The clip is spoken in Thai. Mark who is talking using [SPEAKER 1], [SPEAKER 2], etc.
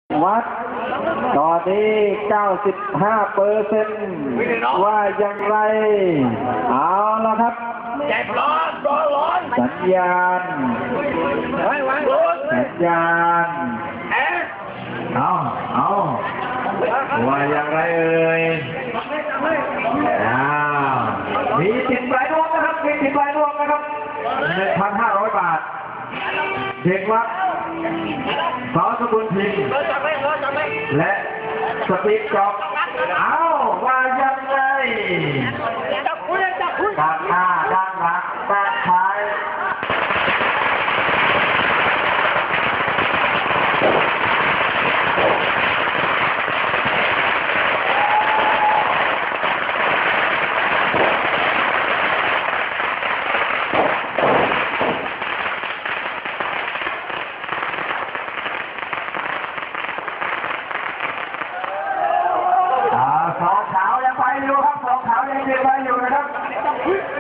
[SPEAKER 1] วัดตอนนี้ 95% ว่าอย่างไรเอาละครับสัญญาณเอาว่าอย่างไรเอ่ยมีติดปลายนวมนะครับมีติดปลายนวมนะครับ 1,500 บาทเด็กวัดสอสกุลพิมพ์และสติ๊กจ็อบเอาว่ายังไงด้านหน้าด้านหลังด้านท้ายสองขาวยังไปอยู่ครับสองขาวยังไปอยู่นะครับ